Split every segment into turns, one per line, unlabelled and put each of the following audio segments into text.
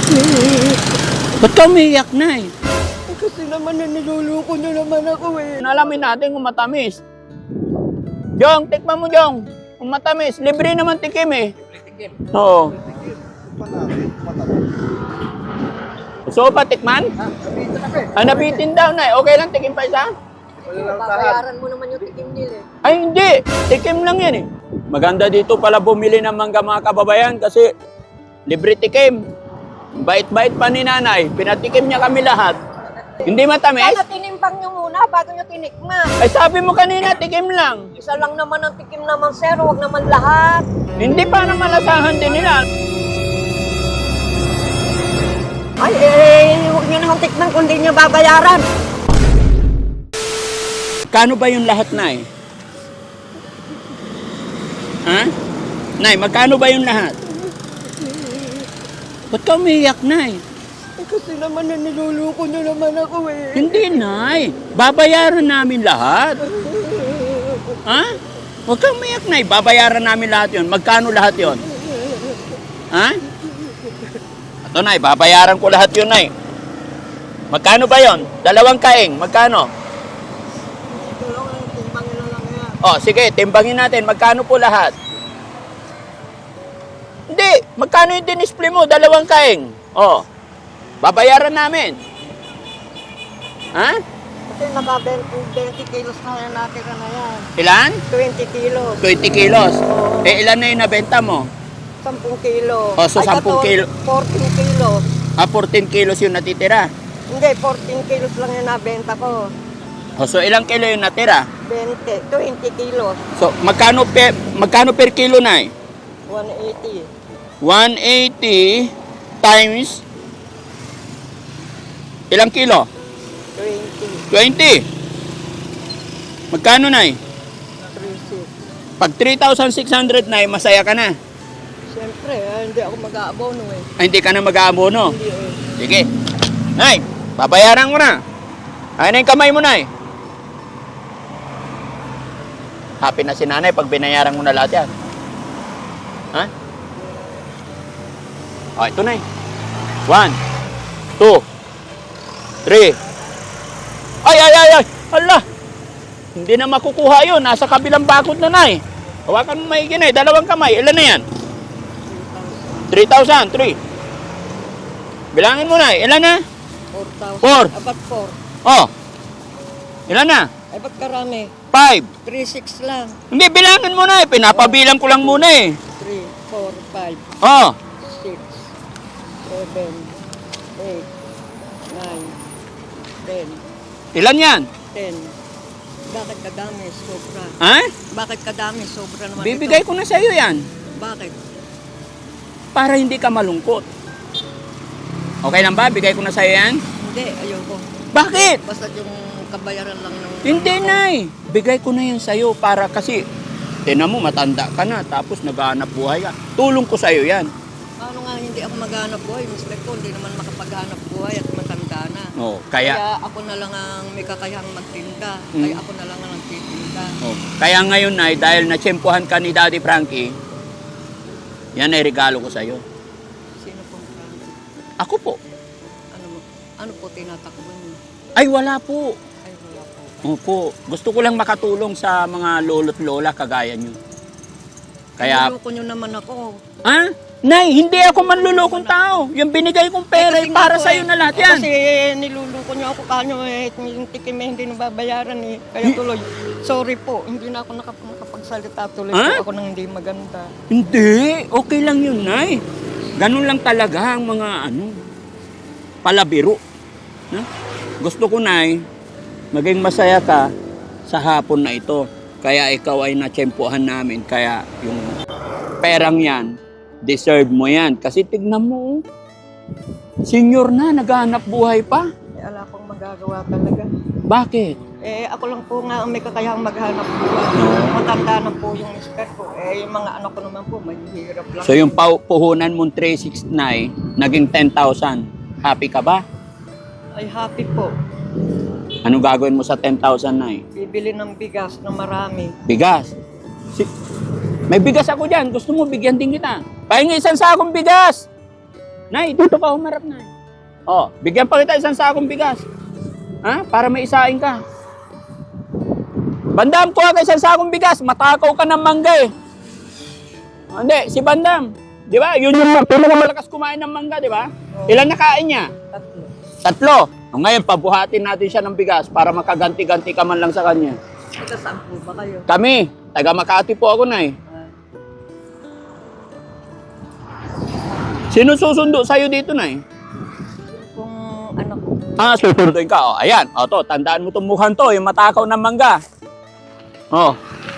Ba't ka umiiyak, Nay?
Kasi naman niluluko niyo naman ako eh.
Alamin natin kung matamis. Jong, tikman mo, Jong. Kung matamis, libre naman tikim eh.
Tikim.
Oo. Gusto mo pa tikman?
Dito na pe.
Ah, nabitin daw, Nay. Okay lang, tikim pa isa?
Babayaran mo naman yung tikim nila eh.
Ay, hindi. Tikim lang yan eh. Maganda dito pala bumili ng mangga mga kababayan kasi libre tikim. Bait-bait pa ni Nanay. Pinatikim niya kami lahat. Hindi matamis?
Sana tinimpang nyo muna bago nyo tinikman.
Ay, sabi mo kanina, tikim lang.
Isa lang naman ang tikim naman sir, huwag naman lahat.
Hindi pa naman malasahan din nila.
Ay, huwag nyo na akong tikman kung di nyo babayaran.
Kano ba yung lahat, Nay? Ha? Nay, magkano ba yung lahat? Ba't ka umiiyak, Nay?
Kasi naman niluluko nyo naman ako eh.
Hindi, Nay. Babayaran namin lahat. Ha? Huwag kang umiyak, Nay. Babayaran namin lahat yon. Magkano lahat yon? Ha? Ito, Nay. Babayaran ko lahat yun, Nay. Magkano ba yon? 2 kaing. Magkano?
Timbangin na lang yan.
Oh, sige. Timbangin natin. Magkano po lahat? Hindi. Magkano yung dinisplay mo? 2 kaing. Oh. Babayaran namin. Ha?
Kasi naka 20 kilos na yan natira na yan.
Ilan?
20 kilos.
20 kilos. Eh, ilan na yung nabenta mo?
10 kilo.
Oh, so 10 kilo.
14 kilos.
Ah, 14 kilos yung natitira.
Hindi, 14 kilos lang yung nabenta ko.
Oh, so ilang kilo yung natira?
20 kilos.
So, magkano per kilo, Nay?
180.
180 times ilang kilo?
20.
20. Magkano, Nay?
36.
Pag 3,600, Nay, masaya ka na.
Siyempre, hindi ako mag-aabono eh.
Ay, hindi ka na mag-aabono.
Hindi eh.
Sige. Nay, babayaran ko na. Ay na yung kamay mo, Nay. Happy na si Nanay pag binayaran mo na lahat yan. Ha? O, ito, Nay. 1, 2, 3. Ay! Hala! Hindi na makukuha yun. Nasa kabilang bakod na, Nay. Hawakan mo maigi, Nay. 2 kamay. Ilan na yan? 3,000. 3. Bilangin mo, Nay. Ilan na?
4,000.
4.
Abat 4.
Oh. Ilan na?
Ay, ba't karami?
5.
3,600 lang.
Hindi, bilangin mo na eh. Pinapabilang ko lang muna eh.
3, 4, 5,
Oh.
6, 7, 8, 9, 10,
Ilan yan?
10. Bakit kadami? Sobra.
Ha?
Bakit kadami? Sobra naman
Bibigay ko na sa iyo yan.
Bakit?
Para hindi ka malungkot. Okay lang ba? Bigay ko na sa iyo yan?
Hindi, ayoko.
Bakit?
Basta yung kabayaran lang ng...
Hindi, Nay. Bigay ko na yan sa iyo para kasi tinan mo, matanda ka na tapos naghahanap buhay ka. Tulong ko sa iyo yan.
Paano nga hindi ako maghanap buhay? Mister ko, hindi naman makapaghanap buhay at matanda na.
Oh,
Kaya
kaya
ako na lang ang may kakayahang magtinda.
Hmm.
Kaya ako na lang ang nagtitinda.
kaya ngayon, Nay, dahil natsyempohan ka ni Daddy Frankie, yan ay regalo ko sa iyo.
Sino pong Frankie?
Ako po.
Ano po tinatakbo niyo?
Ay, wala po.
Ay, wala po.
Opo. Gusto ko lang makatulong sa mga lolo't lola kagaya nyo. Kaya,
Niloko niyo naman ako.
ah? Nay, hindi ako manlulokong tao. Yung binigay kong pera ay
Kasi
para
nga po
sa'yo na lahat yan.
Kasi niluluko niyo ako paano yung tikim hindi nababayaran eh. Kaya tuloy, sorry po, hindi na ako nakapagsalita tuloy
Ha?
po ako nang hindi maganda.
Hindi. Okay lang yun, Nay. Ganun lang talaga ang mga palabiro. No? Gusto ko, Nay, maging masaya ka sa hapon na ito. Kaya ikaw ay natsyempohan namin. Kaya yung perang yan, deserve mo yan. Kasi tignan mo, senior na, naghahanap buhay pa.
Eh, ala akong magagawa talaga.
Bakit?
Eh, ako lang po nga ang may kakayahang maghanap buhay. Matanda na po yung mister ko. Eh, yung mga anak ko naman po, mahihirap lang.
So yung puhunan mong 369, naging 10,000. Happy ka ba?
Ay, happy po.
Anong gagawin mo sa 10,000, Nay?
Bibili ng bigas na marami.
Bigas. May bigas ako dyan. Gusto mo, bigyan din kita. Pahingi isang sakong bigas. Nay, dito ka humarap, Nay. Oh, bigyan pa kita isang sakong bigas. Ha? Para may isain ka. Bandam, kuha ka isang sakong bigas. Matakaw ka ng mangga eh. Hindi, si Bandam. Di ba? Yun yung pinakamalakas kumain ng mangga, di ba? Ilan nakain niya? 3. O ngayon, pabuhatin natin siya ng bigas para makaganti-ganti ka man lang sa kanya.
Saan po ba kayo?
Kami, taga Makati po ako, Nay. Sino susundo sa'yo dito, Nay?
Kung ano po.
Susunduin ka. O, ayan. O, to, tandaan mo itong mukhang to, yung matakaw ng mangga. O.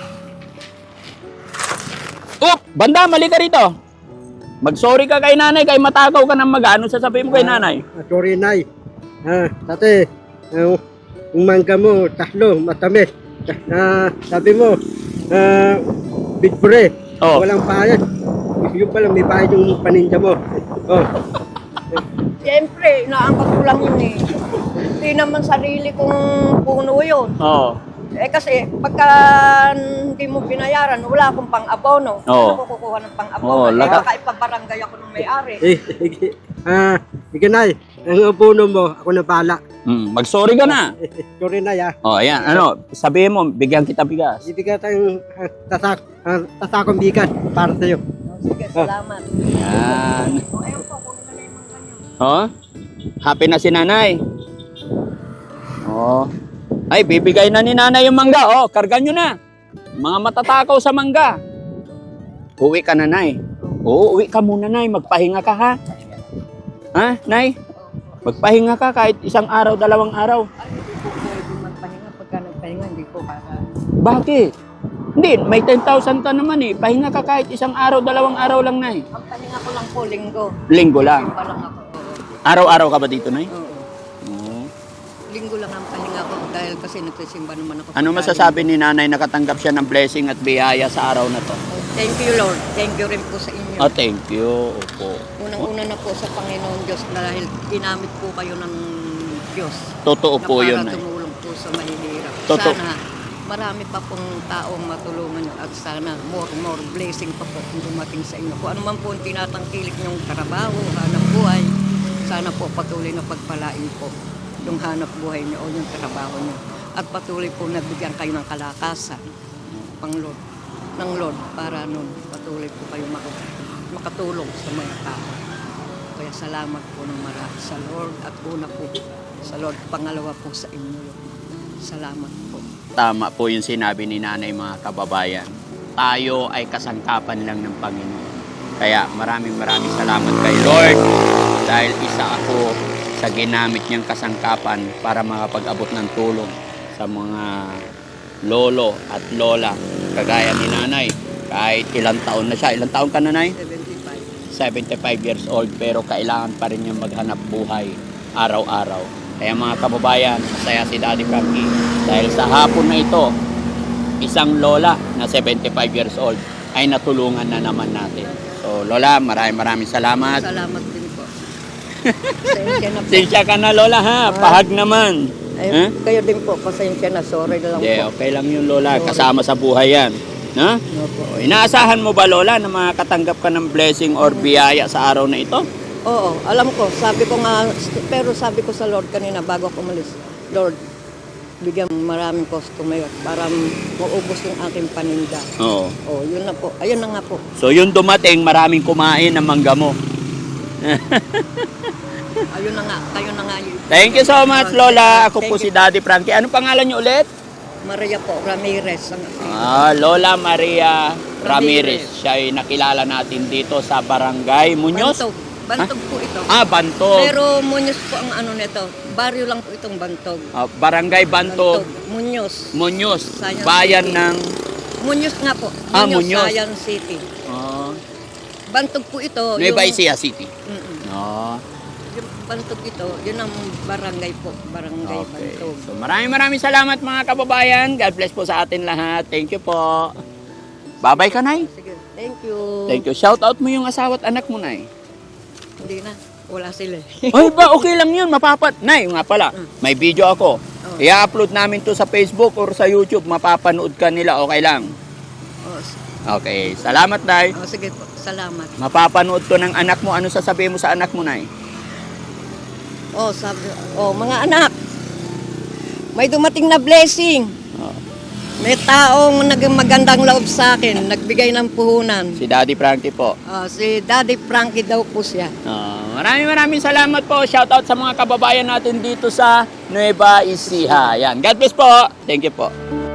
Banda, mali ka rito. Mag-sorry ka kay nanay, kay matakaw ka ng mangga. Ano sasabihin mo kay nanay?
Sorry, Nay. Dati, yung mangga mo, 3, matamis. Sabi mo, bitbre,
Oh.
walang bayad. Yung pala, may bayad yung paninda mo. Oh.
Siyempre, inaangkat ko lang yun eh. Hindi naman sarili kong puno yun.
Oo.
Eh kasi pagka hindi mo binayaran, wala akong pang-abono.
Oo.
Ano ko kukuha ng pang-abono?
Oo,
Eh,
laka-
baka ipabarangay ako ng may-ari.
Sige, Nay. Ang upuno mo, ako na bala.
Mag-sorry ka na.
Sorry, Nay,
O, ayan. Ano, sabihin mo, bigyan kita bigas.
Ibigay tayong tasakong bigat para sa'yo.
Sige, salamat.
Yan.
O, ayun po, kunin na yung mga ganyan.
O, happy na si nanay. O. Ay, bibigay na ni nanay yung mangga. O, kargan nyo na. Mga matatakaw sa mangga. Uwi ka na, Nay. Oo, uwi ka muna, Nay. Magpahinga ka, ha? Ha, Nay? Magpahinga ka kahit 1 araw, 2 araw.
Ay, hindi po pwede magpahinga. Pagka nagpahinga, hindi po para...
Bakit? Hindi, may 10,000 ka naman eh. Pahinga ka kahit 1 araw, 2 araw lang, Nay.
Ang pahinga ko lang po, linggo.
Linggo lang.
Pa lang ako. Oo.
Araw-araw ka ba dito, Nay?
Oo.
Oo.
Linggo lang ang pahinga ko dahil kasi nagsisimba naman ako.
Ano masasabi ni nanay nakatanggap siya ng blessing at biyaya sa araw na to?
Oh, thank you, Lord. Thank you rin po sa inyo.
Oh, thank you. Opo.
Unang-una na po sa Panginoon Diyos dahil ginamit po kayo ng Diyos.
Totoo po yun,
na para
Nay.
tumulong po sa mahihirap.
Totoo.
Sana marami pa pong taong matulungan nyo at sana more blessing pa po kung dumating sa inyo. Kung ano man po ang tinatangkilik nyong trabaho, hanap buhay, sana po patuloy na pagpalain po yung hanap buhay nyo o yung trabaho nyo. At patuloy po nabigyan kayo ng kalakasan ng Lord para nun patuloy po kayo makatulong sa mga tao. Kaya salamat po ng marami sa Lord at una po sa Lord, pangalawa po sa inyo. Salamat po.
Tama po yung sinabi ni nanay, mga kababayan. Tayo ay kasangkapan lang ng Panginoon. Kaya maraming salamat kay Lord dahil isa ako sa ginamit niyang kasangkapan para makapag-abot ng tulong sa mga lolo at lola kagaya ni nanay. Kahit ilang taon na siya. Ilang taon ka, nanay?
75.
75 years old, pero kailangan pa rin niyang maghanap buhay araw-araw. Kaya mga kababayan, masaya si Daddy Frankie dahil sa hapon na ito, isang lola na 75 years old ay natulungan na naman natin. So Lola, maraming salamat.
Salamat din po. Pasensya na po.
Pasensya ka na, Lola, ha? Pahag naman.
Ay,
Ha?
kayo din po, pasensya na. Sorry na lang
Hindi,
po.
okay lang yun, Lola. Kasama sa buhay yan. Ha?
Opo.
O, inaasahan mo ba, Lola, na makakatanggap ka ng blessing or biyaya sa araw na ito?
Oo, alam ko. Sabi ko nga, pero sabi ko sa Lord kanina bago ako umalis, Lord, bigyan mo maraming customer para maubos yung aking paninda.
Oo.
Oh, yun na po. Ayun na nga po.
So, yun dumating, maraming kumain ng mangga mo.
Ayun na nga. Kayo na nga yun.
Thank you so much, Lola. Ako po si Daddy Frankie. Anong pangalan niyo ulit?
Maria po, Ramirez.
Lola Maria Ramirez. Siya ay nakilala natin dito sa Barangay Muñoz.
Bantog. Bantog po ito.
Bantog.
Pero Muñoz po ang ano nito. Baryo lang po itong Bantog.
Barangay Bantog,
Muñoz.
Muñoz.
Science
Bayan
City.
ng...
Muñoz nga po.
Muñoz.
Science City. Bantog po ito.
Nueva Ecija City.
Yung Bantog ito, yun ang barangay po. Barangay
Okay.
Bantog.
So maraming salamat mga kababayan. God bless po sa atin lahat. Thank you po. Bye-bye ka, Nay.
Sige, thank you.
Thank you. Shout out mo yung asawa at anak mo, Nay.
Hindi na, wala sila.
Ay ba, okay lang yun. Nay, nga pala. May video ako. I-upload namin to sa Facebook or sa YouTube. Mapapanood ka nila. Okay lang.
Oh,
Okay, salamat, Nay.
Oh, sige po, salamat.
Mapapanood to ng anak mo. Ano sasabihin mo sa anak mo, Nay?
Oh, sabi, oh, mga anak, may dumating na blessing.
Oh,
May taong naging magandang loob sa akin, nagbigay ng puhunan.
si Daddy Frankie po.
Si Daddy Frankie daw po siya.
Maraming salamat po. Shoutout sa mga kababayan natin dito sa Nueva Ecija. Yan. God bless po. Thank you po.